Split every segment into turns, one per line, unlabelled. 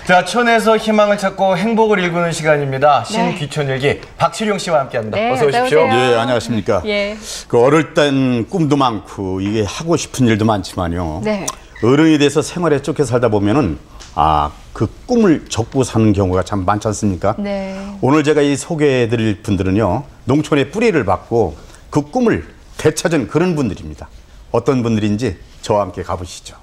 자, 촌에서 희망을 찾고 행복을 일구는 시간입니다. 신귀촌일기 박칠용 씨와 함께합니다.
네,
어서 오십시오.
어서 오세요.
예, 안녕하십니까.
예.
그 어릴 땐 꿈도 많고 이게 하고 싶은 일도 많지만요.
네.
어른이 돼서 생활에 쫓겨 살다 보면은 그 꿈을 접고 사는 경우가 참 많지 않습니까?
네.
오늘 제가 이 소개해드릴 분들은요, 농촌의 뿌리를 받고 그 꿈을 되찾은 그런 분들입니다. 어떤 분들인지 저와 함께 가보시죠.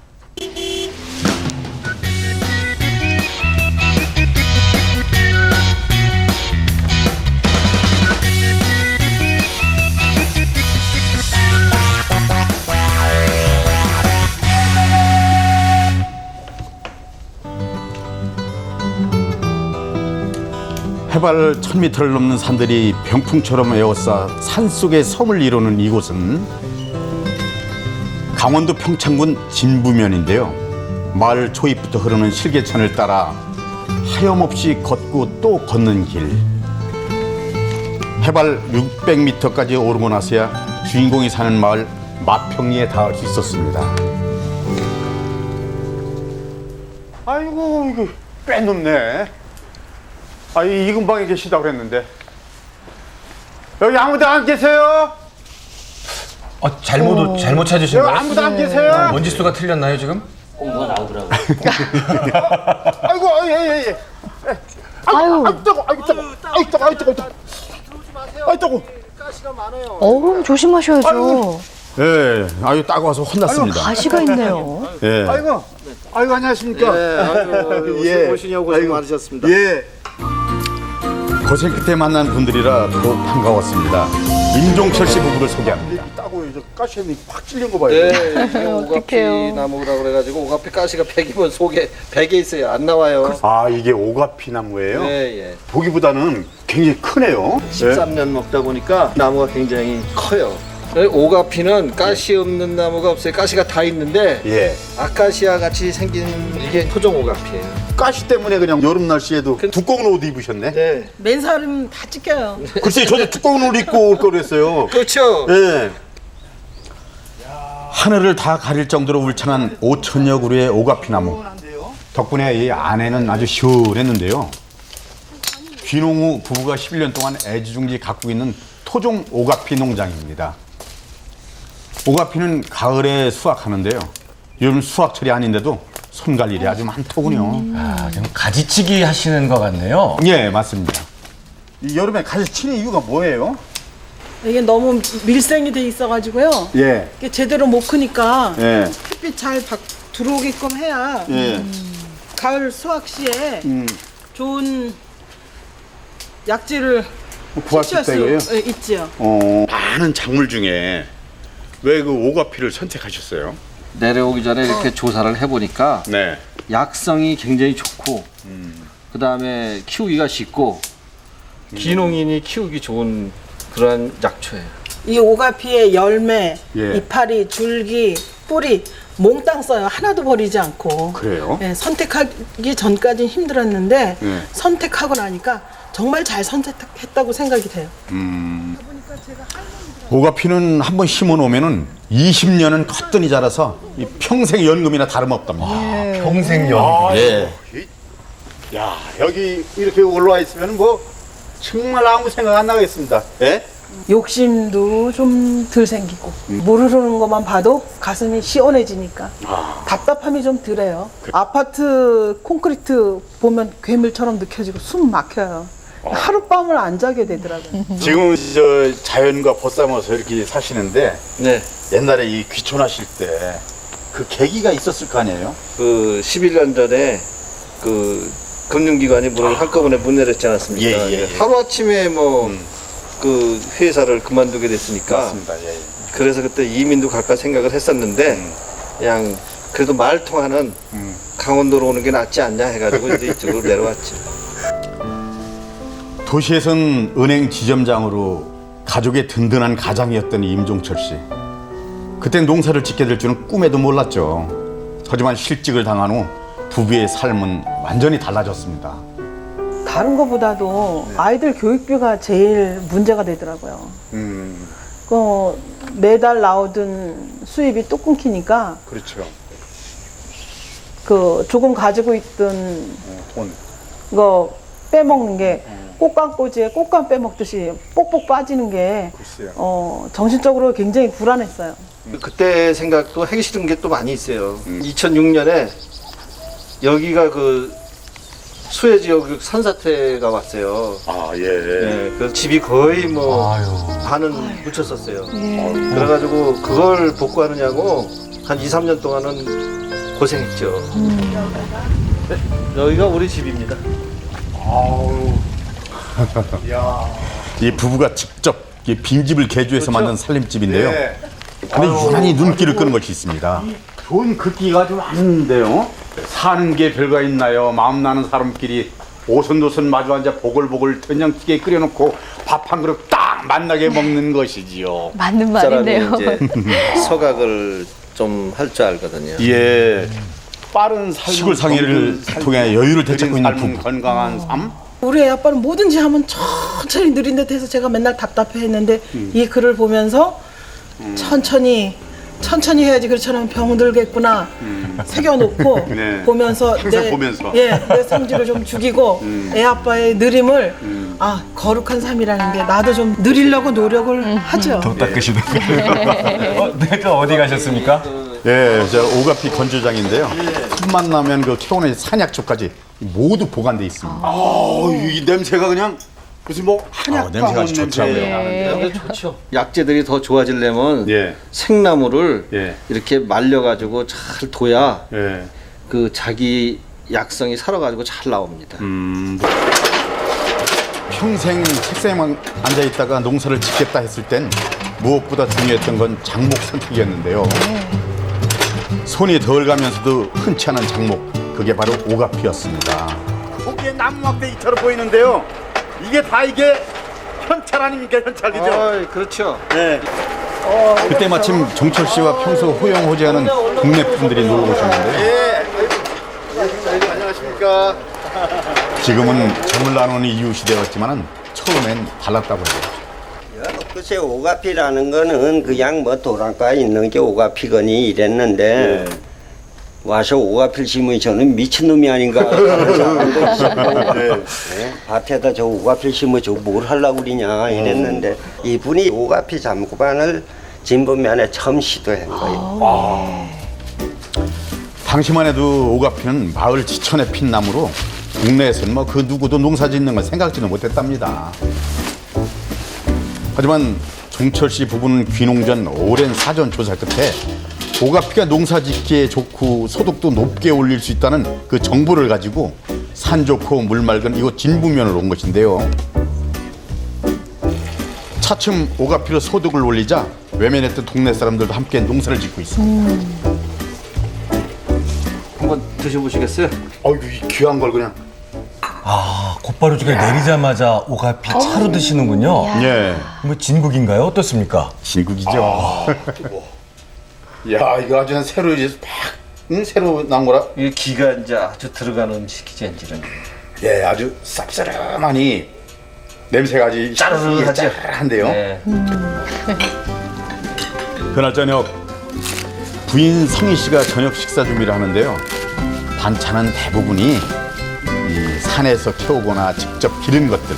해발 1000m를 넘는 산들이 병풍처럼 에워싸 산속의 섬을 이루는 이곳은 강원도 평창군 진부면인데요. 마을 초입부터 흐르는 실개천을 따라 하염없이 걷고 또 걷는 길. 해발 600m까지 오르고 나서야 주인공이 사는 마을 마평리에 닿을 수 있었습니다.
아이고, 이거 꽤 높네. 이 근방에 계시다고 그랬는데. 여기 아무도 안 계세요?
잘못 찾으신
여기
거예요?
아무도 안 계세요?
원지 수가 틀렸나요, 지금?
뭐가 나오더라고요.
아이고, 예.
아유.
아이고, 뜨거.
어우, 조심하셔야죠.
예, 따고 와서 혼났습니다.
가시가 있네요.
예.
아이고, 안녕하십니까?
오시냐고 고생 많으셨습니다.
예.
고생 끝에 만난 분들이라 더욱 반가웠습니다. 임종철 씨 부부를 소개합니다.
따고 이제 가시에 확 찔린 거 봐요.
네, 오가피 나무라고 그래가지고 오가피 가시가 100이면 속에 100에 있어요. 안 나와요.
이게 오가피 나무예요?
예.
보기보다는 굉장히 크네요.
13년 먹다 보니까 나무가 굉장히 커요. 오가피는 가시 없는 나무가 없어요. 가시가 다 있는데
예.
아카시아 같이 생긴 이게 토종 오가피예요.
가시 때문에 그냥 여름 날씨에도 두꺼운 옷 입으셨네.
네.
맨살은 다 찢겨요.
글쎄, 저도 두꺼운 옷 입고 올 걸 그랬어요.
그렇죠.
예.
하늘을 다 가릴 정도로 울창한 5천여 그루의 오가피 나무. 덕분에 이 안에는 아주 시원했는데요. 귀농후 부부가 11년 동안 애지중지 가꾸고 있는 토종 오가피 농장입니다. 오가피는 가을에 수확하는데요. 요즘 수확철이 아닌데도 손갈 일이 아주 많더군요.
지금 가지치기 하시는 것 같네요.
예, 맞습니다.
이 여름에 가시 치는 이유가 뭐예요?
이게 너무 밀생이 돼 있어가지고요.
예.
이게 제대로 못 크니까
예.
햇빛 잘 들어오게끔 해야
예.
가을 수확 시에 좋은 약재를
구할 수 있다 이거예요?
있지요.
많은 작물 중에 왜 그 오가피를 선택하셨어요?
내려오기 전에 이렇게 조사를 해보니까
네.
약성이 굉장히 좋고 그 다음에 키우기가 쉽고 기농인이 키우기 좋은 그런 약초예요.
이 오가피의 열매,
예.
이파리, 줄기, 뿌리 몽땅 써요. 하나도 버리지 않고.
그래요?
예, 선택하기 전까지는 힘들었는데
예.
선택하고 나니까 정말 잘 선택했다고 생각이 돼요.
오가피는 한번 심어 놓으면은 20년은 커튼이 자라서 이 평생 연금이나 다름없답니다.
평생연.
예.
야, 여기 이렇게 올라와 있으면 뭐 정말 아무 생각 안 나겠습니다. 예?
욕심도 좀 덜 생기고 물 흐르는 것만 봐도 가슴이 시원해지니까 답답함이 좀 덜해요. 아파트 콘크리트 보면 괴물처럼 느껴지고 숨 막혀요. 하룻밤을 안 자게 되더라고요.
지금 저 자연과 벗삼아서 이렇게 사시는데
네.
옛날에 이 귀촌하실 때 그 계기가 있었을 거 아니에요?
그 11년 전에 그 금융기관이 문을 한꺼번에 문 내렸지 않았습니까?
예.
하루아침에 뭐 그 회사를 그만두게 됐으니까
맞습니다. 예.
그래서 그때 이민도 갈까 생각을 했었는데 그냥 그래도 말 통하는 강원도로 오는 게 낫지 않냐 해가지고 이제 이쪽으로 내려왔죠.
도시에선 은행 지점장으로 가족의 든든한 가장이었던 임종철 씨. 그땐 농사를 짓게 될 줄은 꿈에도 몰랐죠. 하지만 실직을 당한 후 부부의 삶은 완전히 달라졌습니다.
다른 것보다도 아이들 교육비가 제일 문제가 되더라고요. 매달 나오던 수입이 또 끊기니까
그렇죠.
그 조금 가지고 있던 거 빼먹는 게 꽃감꽂이에 꽃감 빼먹듯이 뽁뽁 빠지는 게 정신적으로 굉장히 불안했어요.
그때 생각도 하기 싫은 게 또 많이 있어요. 2006년에 여기가 그 수해 지역 산사태가 왔어요.
아, 예.
네, 그래서 집이 거의 뭐 반은 묻혔었어요. 그래가지고 그걸 복구하느냐고 한 2, 3년 동안은 고생했죠. 네, 여기가 우리 집입니다.
이 부부가 직접 이 빈집을 개조해서 만든 살림집인데요.
예.
근데 유난히 눈길을 끄는 것이 있습니다.
좋은 글귀가 좀 많은데요. 사는 게 별거 있나요? 마음 나는 사람끼리 오손도손 마주 앉아 보글보글 된장찌개 끓여놓고 밥 한 그릇 딱 만나게 먹는 것이지요.
맞는
사람이
말인데요.
이제 서각을 좀 할 줄 알거든요.
예. 빠른 삶,
시골 상해를 통해 여유를 되찾고 있는 부부.
건강한 삶.
우리 애 아빠는 뭐든지 하면 천천히 느린 듯 해서 제가 맨날 답답해했는데 이 글을 보면서 천천히 해야지 그렇지 않으면 병들겠구나 새겨놓고
네.
보면서
항상 보면서.
내 성질을 좀 죽이고 애 아빠의 느림을 아 거룩한 삶이라는 게 나도 좀 느리려고 노력을 하죠.
더 닦으시는 거예요. 네, 또 어디 가셨습니까?
예, 저 오가피 건조장인데요. 틈만 나면 그 캐온의 산약초까지 모두 보관돼 있습니다.
이 냄새가 그냥 무슨 뭐 한약
냄새가 아주 좋더라고요.
근데 좋죠. 약재들이 더 좋아지려면
예.
생나무를
예.
이렇게 말려가지고 잘 둬야
예.
그 자기 약성이 살아가지고 잘 나옵니다.
평생 책상에만 앉아 있다가 농사를 짓겠다 했을 땐 무엇보다 중요했던 건 장목 선택이었는데요. 손이 덜 가면서도 흔치 않은 장목, 그게 바로 오가피였습니다.
거기에 나무막대기처럼 보이는데요. 이게 다 이게 현찰 아닙니까? 현찰 그죠?
그렇죠.
네.
그때 마침 종철 씨와 평소 호영호재하는 국내 분들이 놀러 오셨는데요.
안녕하십니까?
지금은 정을 나누는 이웃이 되었지만 처음엔 달랐다고 해요.
글쎄 오가피라는 거는 그냥 뭐 도랑가에 있는 게 오가피거니 이랬는데 와서 오가피를 심으니 저는 미친놈이 아닌가 하는 사람도 있었고 네, 밭에다 저 오가피를 심어 저 뭘 하려고 그러냐 이랬는데 이분이 오가피 잠구반을 진분면에 처음 시도한 거예요.
당시만 해도 오가피는 마을 지천에 핀 나무로 국내에서는 뭐 그 누구도 농사 짓는 걸 생각지도 못했답니다. 하지만 종철 씨 부부는 귀농 전 오랜 사전 조사 끝에 오가피가 농사 짓기에 좋고 소득도 높게 올릴 수 있다는 그 정보를 가지고 산 좋고 물 맑은 이곳 진부면으로 온 것인데요. 차츰 오가피로 소득을 올리자 외면했던 동네 사람들도 함께 농사를 짓고 있습니다.
한번 드셔보시겠어요?
어이구 이 귀한 걸 그냥.
아, 곧바로 저게 내리자마자 오가피 차로 드시는군요.
예,
뭐 진국인가요? 어떻습니까?
진국이죠.
야 이거 아주 새로 이제 팍 새로 나온 거라.
이게 기가 이제 아주 들어가는 음식이지 이제는.
예, 아주 쌉싸름하니 냄새가 아주
짜르르하죠.
짜르르한데요.
네.
그날 저녁 부인 성희 씨가 저녁 식사 준비를 하는데요. 반찬은 대부분이 이 산에서 캐오거나 직접 기른 것들.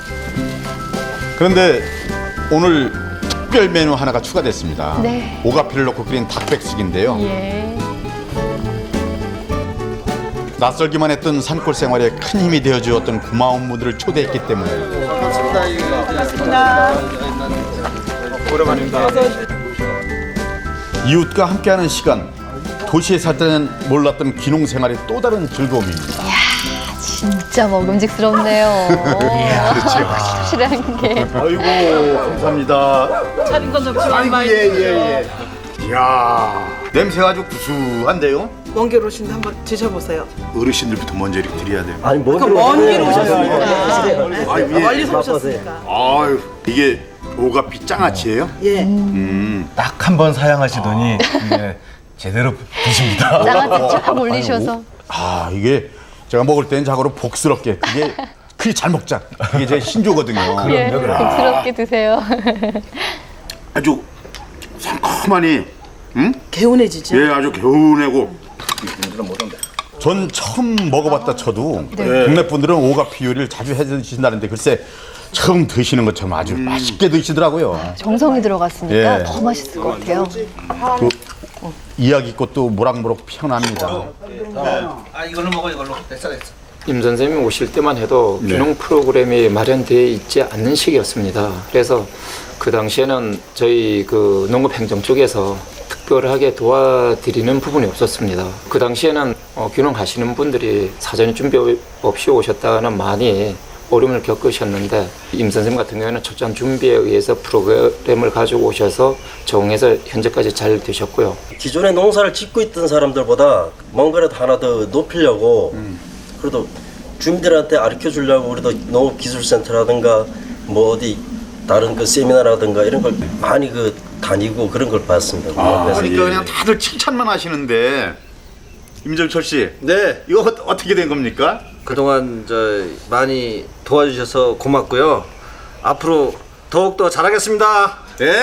그런데 오늘 특별 메뉴 하나가 추가됐습니다.
네.
오가피를 넣고 끓인 닭백숙인데요.
예.
낯설기만 했던 산골 생활에 큰 힘이 되어주었던 고마운 분들을 초대했기 때문에 이웃과 함께하는 시간, 도시에 살 때는 몰랐던 귀농 생활의 또 다른 즐거움입니다.
진짜 먹음직스럽네요. 그렇죠. 확실한 게.
아이고 감사합니다.
차린 건 적지만 많이
예예예. 이야 냄새가 아주 구수한데요.
먼 길 오신데 한번 드셔보세요.
어르신들부터 먼저 이렇게 드려야 돼요.
아니 뭐
먼 길 오셨으니까 멀리서 오셨으니까
아유, 이게 오가피 장아찌예요?
예.
딱 한 번 사양하시더니 네, 제대로 드십니다.
장아찌 쫙 올리셔서.
아, 이게 제가 먹을 때는 자고로 복스럽게 그게 잘 먹자. 그게 제 신조거든요.
예, 복스럽게 드세요.
아주 상큼하니
개운해지죠.
예 아주 개운하고
전 처음 먹어봤다 쳐도
네.
국내 분들은 오가피 요리를 자주 해 드신다는데 글쎄 처음 드시는 것처럼 아주 맛있게 드시더라고요.
정성이 들어갔으니까
예.
더 맛있을 것 같아요.
그 이야기꽃도 모락모락 피어납니다.
임 선생님이 오실 때만 해도 균형 프로그램이 마련되어 있지 않는 시기였습니다. 그래서 그 당시에는 저희 그 농업행정 쪽에서 특별하게 도와드리는 부분이 없었습니다. 그 당시에는 균형하시는 분들이 사전에 준비 없이 오셨다가는 많이 어려움을 겪으셨는데 임 선생님 같은 경우에는 철저한 준비에 의해서 프로그램을 가지고 오셔서 적응해서 현재까지 잘 되셨고요.
기존에 농사를 짓고 있던 사람들보다 뭔가라도 하나 더 높이려고 그래도 주민들한테 가르쳐 주려고 우리도 농업기술센터라든가 뭐 어디 다른 그 세미나라든가 이런 걸 많이 그 다니고 그런 걸 봤습니다. 그래서
그러니까 그냥 다들 칭찬만 하시는데 임정철 씨,
네.
이거 어떻게 된 겁니까?
그동안 많이 도와주셔서 고맙고요. 앞으로 더욱더 잘하겠습니다.
네.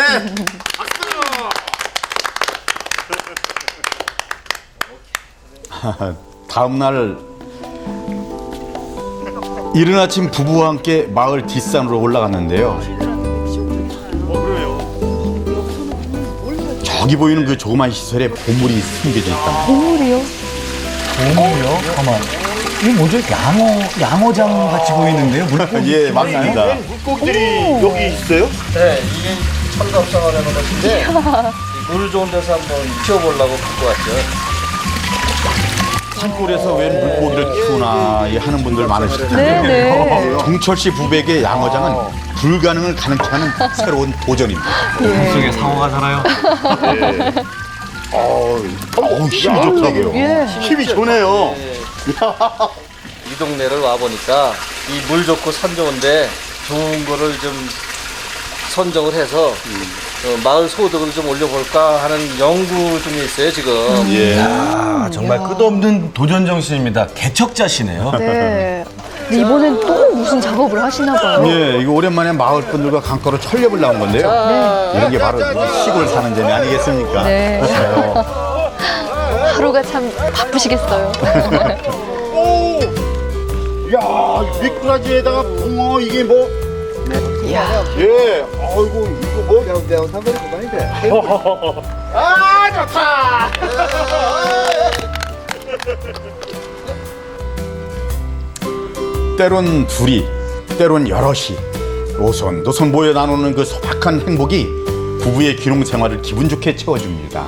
다음 날 이른 아침 부부와 함께 마을 뒷산으로 올라갔는데요. 저기 보이는 그 조그만 시설에 보물이 숨겨져 있다.
보물이요?
보물이요? 가만. 이게 뭐죠? 양어장 같이 보이는데요? 물고기.
예, 맞습니다.
물고기들이 여기 있어요?
네, 이게 철갑상을 하는 것인데 물 좋은 데서 한번 키워보려고 갖고 왔죠.
산골에서 웬 물고기를 키우나 하는 분들 많으실 텐데
네네.
정철 씨 부부에게 양어장은 불가능을 가능케 하는 새로운 도전입니다.
속에 상어가 살아요.
힘이 좋다고요.
예.
힘이 좋네요.
이 동네를 와 보니까 이 물 좋고 산 좋은데 좋은 거를 좀 선정을 해서 마을 소득을 좀 올려볼까 하는 연구 중에 있어요 지금.
아, 정말 끝없는 도전 정신입니다. 개척자시네요.
네. 근데 이번엔 또 무슨 작업을 하시나 봐요.
예, 이거 오랜만에 마을 분들과 강가로 철렵을 나온 건데요. 이런 게 바로 시골 사는 재미 아니겠습니까?
네. 하루가 참 바쁘시겠어요.
야, 미꾸라지에다가 붕어 이게 뭐?
이야.
예, 아이고 이거 뭐? 매운 상거리 그만인데. 아, 좋다.
때론 둘이, 때론 여럿이 오손도손 모여 나누는 그 소박한 행복이 부부의 귀농 생활을 기분 좋게 채워줍니다.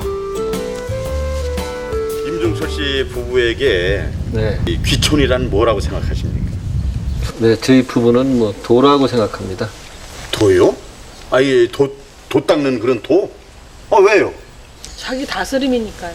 임종철 씨 부부에게
네.
이 귀촌이란 뭐라고 생각하십니까?
네, 저희 부부는 뭐 도라고 생각합니다.
도요? 아예 도 닦는 그런 도? 왜요?
자기 다스림이니까요.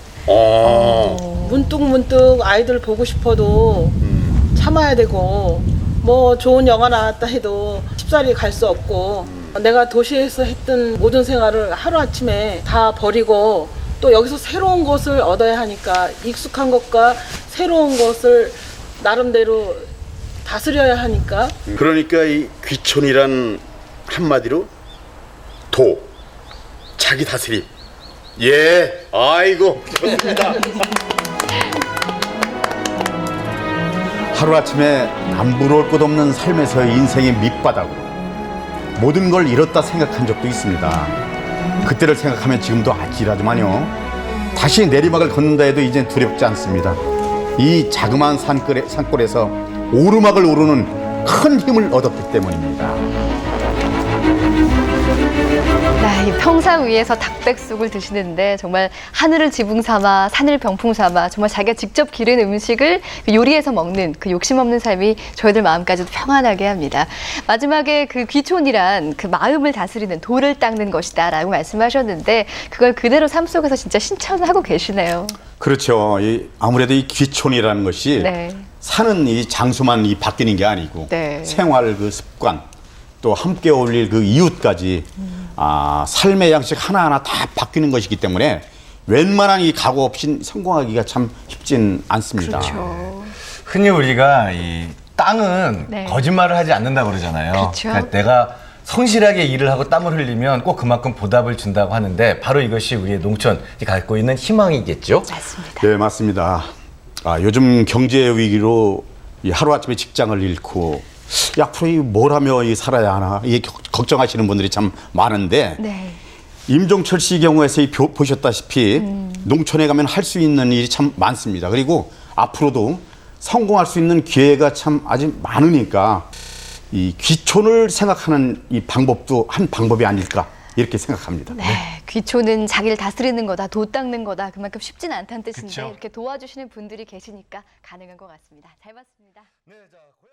아,
문득문득 아이들 보고 싶어도 참아야 되고 뭐 좋은 영화 나왔다 해도 쉽사리 갈 수 없고 내가 도시에서 했던 모든 생활을 하루아침에 다 버리고 또 여기서 새로운 것을 얻어야 하니까 익숙한 것과 새로운 것을 나름대로 다스려야 하니까
그러니까 이 귀촌이란 한마디로 도, 자기 다스림. 예, 아이고 좋습니다. 하루아침에 남부러울 것 없는 삶에서의 인생의 밑바닥으로 모든 걸 잃었다 생각한 적도 있습니다. 그때를 생각하면 지금도 아찔하지만요. 다시 내리막을 걷는다 해도 이젠 두렵지 않습니다. 이 자그마한 산골에서 오르막을 오르는 큰 힘을 얻었기 때문입니다.
이 평상 위에서 닭백숙을 드시는데 정말 하늘을 지붕 삼아 산을 병풍 삼아 정말 자기가 직접 기른 음식을 요리해서 먹는 그 욕심 없는 삶이 저희들 마음까지도 평안하게 합니다. 마지막에 그 귀촌이란 그 마음을 다스리는 돌을 닦는 것이다 라고 말씀하셨는데 그걸 그대로 삶 속에서 진짜 실천하고 계시네요.
그렇죠. 아무래도 이 귀촌이라는 것이
네.
사는 이 장소만 바뀌는 게 아니고
네.
생활 그 습관 또 함께 어울릴 그 이웃까지 삶의 양식 하나하나 다 바뀌는 것이기 때문에 웬만한 이 각오 없이 성공하기가 참 쉽진 않습니다.
그렇죠.
흔히 우리가 이 땅은
네.
거짓말을 하지 않는다고 그러잖아요.
그렇죠.
그러니까 내가 성실하게 일을 하고 땀을 흘리면 꼭 그만큼 보답을 준다고 하는데 바로 이것이 우리의 농촌이 갖고 있는 희망이겠죠.
맞습니다.
네, 맞습니다. 요즘 경제 위기로 이 하루아침에 직장을 잃고 이 앞으로 뭘 하며 살아야 하나 걱정하시는 분들이 참 많은데
네.
임종철 씨 경우에서 보셨다시피 농촌에 가면 할 수 있는 일이 참 많습니다. 그리고 앞으로도 성공할 수 있는 기회가 참 아직 많으니까 이 귀촌을 생각하는 이 방법도 한 방법이 아닐까 이렇게 생각합니다.
네, 귀촌은 자기를 다스리는 거다, 도 닦는 거다. 그만큼 쉽지는 않다는 뜻인데
그쵸.
이렇게 도와주시는 분들이 계시니까 가능한 것 같습니다. 잘 봤습니다.
네, 자,